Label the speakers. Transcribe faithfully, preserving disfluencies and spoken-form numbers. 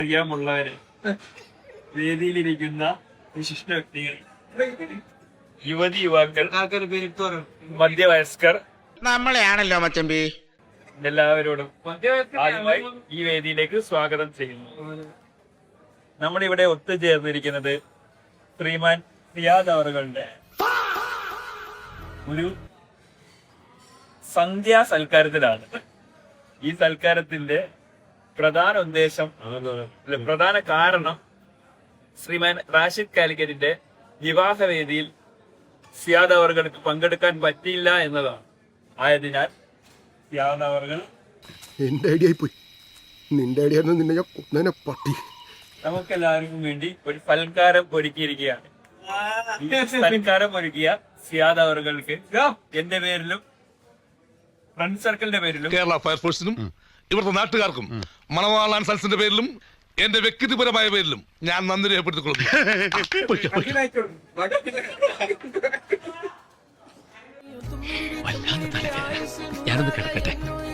Speaker 1: അറിയാമുള്ളവര്, വേദിയിലിരിക്കുന്ന വിശിഷ്ട വ്യക്തികൾ, യുവതി യുവാക്കൾ, മധ്യവയസ്കർ,
Speaker 2: നമ്മളെയാണല്ലോ മച്ചമ്പി,
Speaker 1: എല്ലാവരോടും ആദ്യമായി ഈ വേദിയിലേക്ക് സ്വാഗതം ചെയ്യുന്നു. നമ്മളിവിടെ ഒത്തുചേർന്നിരിക്കുന്നത് ശ്രീമാൻ റിയാദ് അവറുകളുടെ ഒരു സന്ധ്യാ സൽക്കാരത്തിലാണ്. ഈ സൽക്കാരത്തിന്റെ പ്രധാന ഉദ്ദേശം, പ്രധാന കാരണം ശ്രീമാൻ റാഷിദ് കാലിക്കറ്റിന്റെ വിവാഹ വേദിയിൽ സിയാദ് അവറുകൾക്ക് പങ്കെടുക്കാൻ പറ്റിയില്ല എന്നതാണ്. ആയതിനാൽ സിയാദ് അവറുകൾ
Speaker 3: എന്റെ ഐഡിയ പോയി, നിന്റെ ഐഡിയ നിന്നെ ഞാൻ കൊന്നേനെ പട്ടി.
Speaker 1: നമുക്കെല്ലാവർക്കും വേണ്ടി ഒരു സൽക്കാരം ഒരുക്കിയിരിക്കുകയാണ്. ഈ സൽക്കാരം ഒരുക്കിയ സിയാദ് അവറുകൾക്ക് എന്റെ പേരിലും ഫ്രണ്ട് സർക്കിളിന്റെ പേരിലും
Speaker 4: കേരള ഫയർഫോഴ്സിനും ഇവിടുത്തെ നാട്ടുകാർക്കും മണവാളാൻ സൽസിന്റെ പേരിലും എന്റെ വ്യക്തിപരമായ പേരിലും ഞാൻ നന്ദി രേഖപ്പെടുത്തിക്കൊള്ളുന്നു.
Speaker 5: ഞാനൊന്ന് കിടക്കട്ടെ.